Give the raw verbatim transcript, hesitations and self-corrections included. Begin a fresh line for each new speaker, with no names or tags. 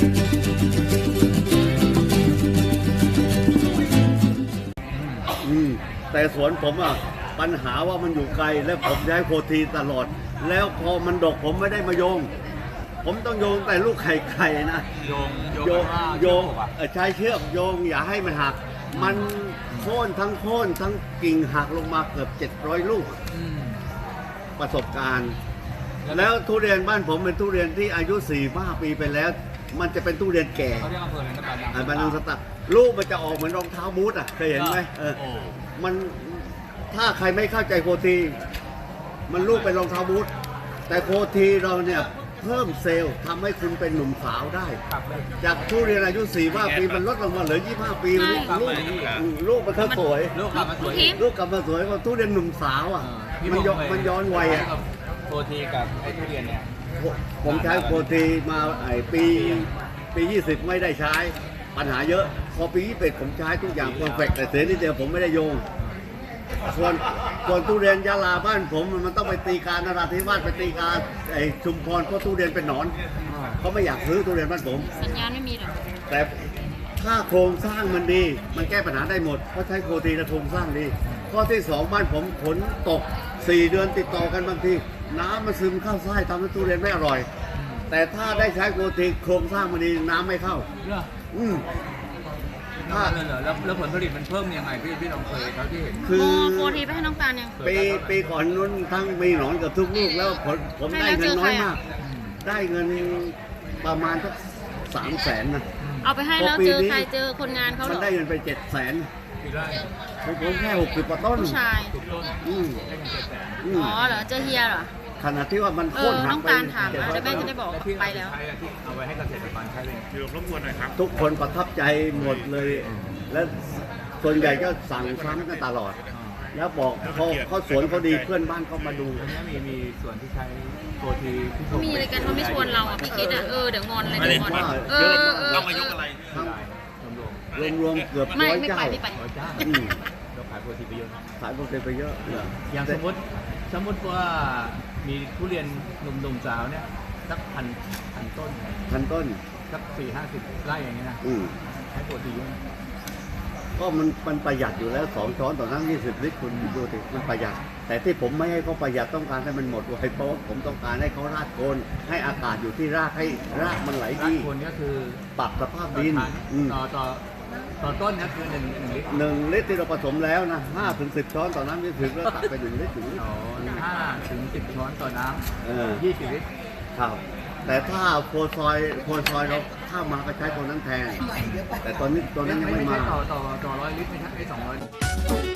อืมแต่สวนผมอ่ะปัญหาว่ามันอยู่ไกลและผมใช้โคทีตลอด แล้วพอมันดกผมไม่ได้มาโยง ผมต้องโยงแต่ลูกไข่ไข่นะ
โยง
โยงโยง
อ่ะ
เอ่อใช้เชือกโยงอย่าให้มันหัก มันโค่นทั้งโค่นทั้งกิ่งหักลงมาเกือบเจ็ดร้อยลูก
อืม
ประสบการณ์ แล้วทุเรียนบ้านผมเป็นทุเรียนที่อายุสี่ห้าปีไปแล้ว มันจะเป็นทุเรียนแก่
เขาเรียกอำเภออะไรนะบ้าน
อ่าบ้านนางสตักลูกมันจะออกเหมือนรองเท้าบูทอ่ะเคยเห็นไหมเออ
โอ้
มันถ้าใครไม่เข้าใจโคทีมันลูกเป็นรองเท้าบูทแต่โคทีเราเนี่ยเพิ่มเซลล์ทำให้คุณเป็นหนุ่มสาวได้
ครับเลย
จากทุเรียนอายุสี่ห้าปีมันลดลงมาเหลือยี่สิบห้าปี
ใช่
ลูกลูกลูกมันก็สวย
ลูกกลับมาสวย
ทิพย์
ลูกกลับมาสวยกว่าทุเรียนหนุ่มสาวอ่ะ
พี่
มันย้อน
บก
มันย้อนวัยอ่ะ
โปรตีกับไอ้ทุเรียนเนี่ย
ผมใช้โคทีมาไอ้ปีปียี่สิบไม่ได้ใช้ปัญหาเยอะ พอปียี่สิบเอ็ดผมใช้ทุกอย่างเพอร์เฟกต์แต่เสียนิดเดียวผมไม่ได้โยง ส่วนส่วนทุเรียนยะลาบ้านผมมันต้องไปตีการนราธิวาสไปตีการไอ้ชุมพรเพราะทุเรียนเป็นหนอนเขาไม่อยากซื้อทุเรียนบ้านผม
สัญญาณไม่มีหรอก
แต่ถ้าโครงสร้างมันดี มันแก้ปัญหาได้หมดเพราะใช้โคทีและโครงสร้างดีข้อที่สองบ้านผมฝนตกสี่เดือนติดต่อกันบางทีน้ำมันซึมเข้าไส้ทำให้ทุเรียนไม่อร่อย แต่ถ้าได้ใช้โคทีโครงสร้างมันดีน้ำไม่เข้า
เหรอ
อืม
ถ้าเลยเหรอแล้วแล้วผลผลิตมันเพิ่มยังไงพี่พี่ลองเคยเท่าที่เห็น
คือ
โมโฟทีไปให้น้องการยัง
ปีปีก่อนนู้นทั้งมีหนอนกับทุกลูกแล้วผลผมได้เงินน้อยมาก ได้เงินประมาณสักสามแสนนะ
เอาไปให้แล้วเจอใครเจอคนงานเขาเห
มั
ร
น
อ
ได้เงินไปเจ็ดแสน
กี่ไร่
ผมผมแค่หกสิบกว่าต้น
ผู้ชาย
ถูกต้น
อืม
ได้เงินเจ็ดแสน
อืม
อ๋อเหรอเจอเฮียเหรอ
ขนาดที่ว่ามัน
เอ
โค่
อน
หั
น้
ก
อง
ไป
การถาม
เจ็ด
นะ
ร้อย
เดี๋ยวแม่จะ
ต้น
ได้บอก
แล้วที่
ไป
เอา
แล้ว
ใช้อะที่เอาไว้ให้เกษตรกรใช้เลย
เดี๋ยวรบกวนหน่อยครับ
ทุกคนประทับใจหมดเลย และส่วนใหญ่ก็สั่งซ้ำกันตลอด แล้วบอกเขาเขาสวนเขาดีเพื่อนบ้านเขามาดู
ตรงนี้มีมีส่วนที่ใช้โปรตีที่
เขามีอะไรกันเขาไม่ชวนเราอ่ะพี่คิดอ่ะเออเดี๋ยวงอนเลย
ไม่ได้
เดี๋ยวงอน
ว่า
เออเออเออ
ต้องมายกอะไร
ทั้ง
รวม
รวมๆเกือบ
ไม่
ร้อย
ไม่
เจ้า
ไปไม่ไป
ๆร้อยเจ้า
อืม
เราขายโปรตีไปเยอะนะ
ขายโปรตีนไปเยอะ
อย่างสมมติสมมติว่ามีทุเรียนหนุ่มๆสาวเนี่ยสักพันพันต้น
พันต้น
สักสี่ห้าสิบไร่อย่างเงี้ยนะ
อืม
ใช้โปรตีเยอะนะ
ก็มันมันประหยัดอยู่แล้วสองช้อนต่อน้ำยี่สิบลิตรคุณดูสิมันประหยัด แต่ที่ผมไม่ให้เขาประหยัดต้องการให้มันหมดไวเพราะว่าผมต้องการให้เขารากโคนให้อากาศอยู่ที่รากให้รากมันไหล
ราก
ดี
คนก็คือ
ปรับสภาพ
ต่อ
ดิน
ถัง
อืม
ต่อต่อต่อต้นนะคือหนึ่งหนึ่งลิตร
หนึ่งลิตรที่เราผสมแล้วนะห้าถึงสิบช้อนต่อน้ำยี่สิบแล้วตักไปหนึ่งลิตรถึงลิตร
อ๋อห้าถึงสิบช้อนต่อน้
เออ
ำยี่สิบลิตร
ครับ แต่ถ้าโพซอยโพซอยเราข้ามมาก็ใช้ตัวนั้นแทน แต่ตอนนี้ตัวนั้นยัง
ไม่
ไม่
ใช่
มา
ต่อต่อต่อร้อยลิตรไม่ใช่ไอ้สองร้อย